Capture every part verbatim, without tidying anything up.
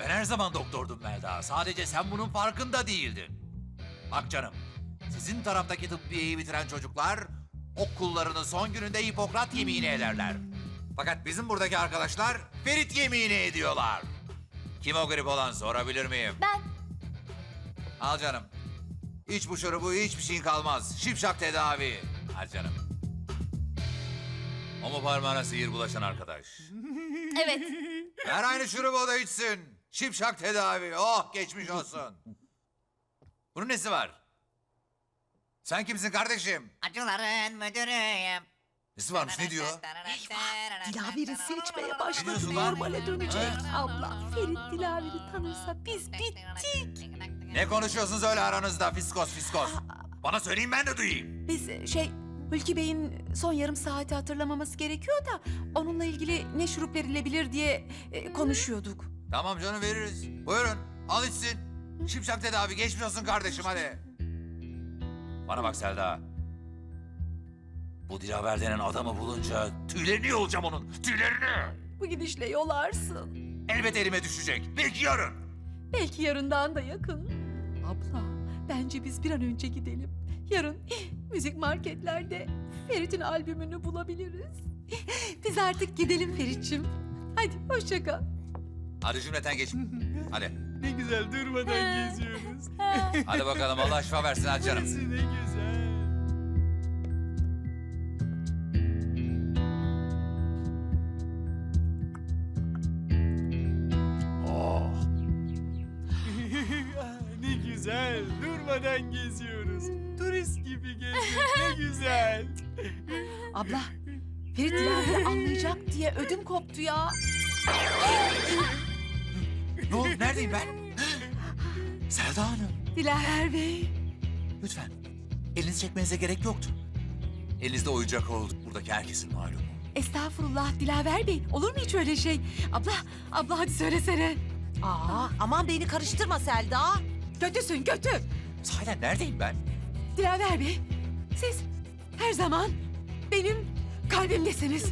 Ben her zaman doktordum Melda. Sadece sen bunun farkında değildin. Bak canım, sizin taraftaki tıbbiyeyi bitiren çocuklar okullarının son gününde Hipokrat yemini ederler. Fakat bizim buradaki arkadaşlar Ferit yemini ediyorlar. Kim o grip olan sorabilir miyim? Ben. Al canım. İç bu şurubu, hiçbir şeyin kalmaz. Şipşak tedavi. Al canım. O mu parmağına sihir bulaşan arkadaş? Evet. Her aynı şurubu o da içsin. Şipşak tedavi. Oh, geçmiş olsun. Bunun nesi var? Sen kimsin kardeşim? Acıların müdürüyüm. Nesi varmış, ne diyor? Dilaver'i seçmeye başladı. diyorsun lan? Normale dönecek. Abla Ferit Dilaver'i tanırsa biz bittik. Ne konuşuyorsunuz öyle aranızda fiskos fiskos? Bana söyleyin, ben de duyayım. Biz şey Hulki Bey'in son yarım saati hatırlamaması gerekiyor da onunla ilgili ne şurup verilebilir diye e, konuşuyorduk. Tamam canım, veririz. Buyurun, al içsin. Şipşak tedavi, geçmiş olsun kardeşim, hadi. Bana bak Selda. Bu Dilaver denen adamı bulunca tüylerini yolacağım onun, tüylerini. Bu gidişle yolarsın. Elbet elime düşecek, belki yarın. Belki yarından da yakın. Abla bence biz bir an önce gidelim. Yarın müzik marketlerde Ferit'in albümünü bulabiliriz. Biz artık gidelim Ferit'ciğim. Hadi hoşça kal. Hadi cümleten geç. Hadi. Ne güzel durmadan geziyoruz. Hadi bakalım, Allah şifa versin, hadi canım. Burası ne güzel. Oh. Ne güzel durmadan geziyoruz. Turist gibi geziyoruz. Ne güzel. Abla Ferit Dilaver'i anlayacak diye ödüm koptu ya. Ne oldu, neredeyim ben? Selda Hanım. Dilaver Bey. Lütfen, elinizi çekmenize gerek yoktu. Elinizde oyuncak oldu, buradaki herkesin malumu. Estağfurullah Dilaver Bey. Olur mu hiç öyle şey? Abla, abla hadi söylesene. Aa, aman beni karıştırma Selda. Kötüsün kötü. Sahiden neredeyim ben? Dilaver Bey, siz her zaman benim kalbimdesiniz.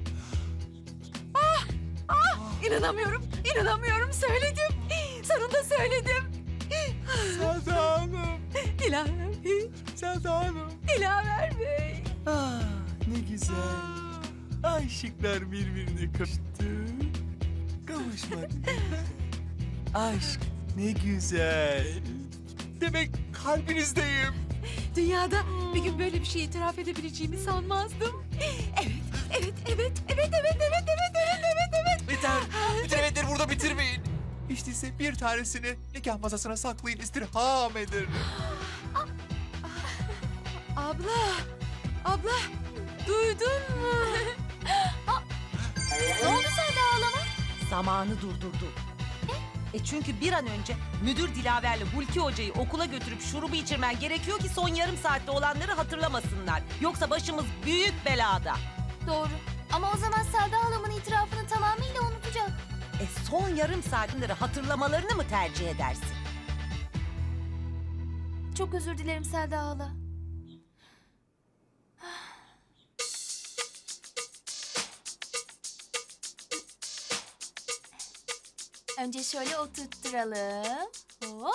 Ah, ah, inanamıyorum, inanamıyorum. Söyledim, sonunda söyledim. Selda Hanım. Dilaver Bey, Selda Hanım. Dilaver Bey. Ah, ne güzel. Aşıklar birbirine kavuştu. Kavuşmak. Aşk ne güzel. Demek kalbinizdeyim. Dünyada bir gün böyle bir şey itiraf edebileceğimi sanmazdım. Evet, evet, evet, evet, evet, evet, evet, evet, evet, evet. Biter. Bütün evetleri burada bitirmeyin. İşte ise bir tanesini nikah masasına saklayın, istirham ederim. Abla, abla, duydun mu? Ne oldu Selda ağlama? Zamanı durdurdu. E çünkü bir an önce müdür Dilaver'le Hulki Hoca'yı okula götürüp şurubu içirmen gerekiyor ki son yarım saatte olanları hatırlamasınlar. Yoksa başımız büyük belada. Doğru. Ama o zaman Selda halamın itirafını tamamıyla unutacak. E son yarım saatleri hatırlamalarını mı tercih edersin? Çok özür dilerim Selda hala. Önce şöyle oturtturalım. Hop.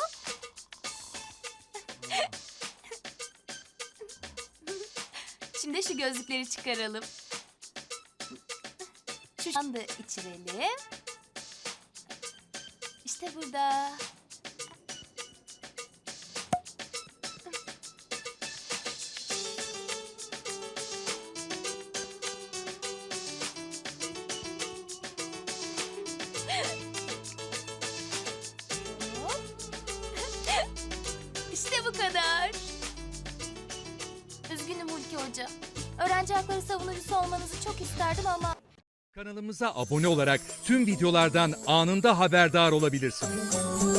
Şimdi şu gözlükleri çıkaralım. Şu anda içirelim. İşte burada. Hop. İşte bu kadar. Üzgünüm Hulki Hoca. Öğrenci hakları savunucusu olmanızı çok isterdim ama... Kanalımıza abone olarak tüm videolardan anında haberdar olabilirsiniz.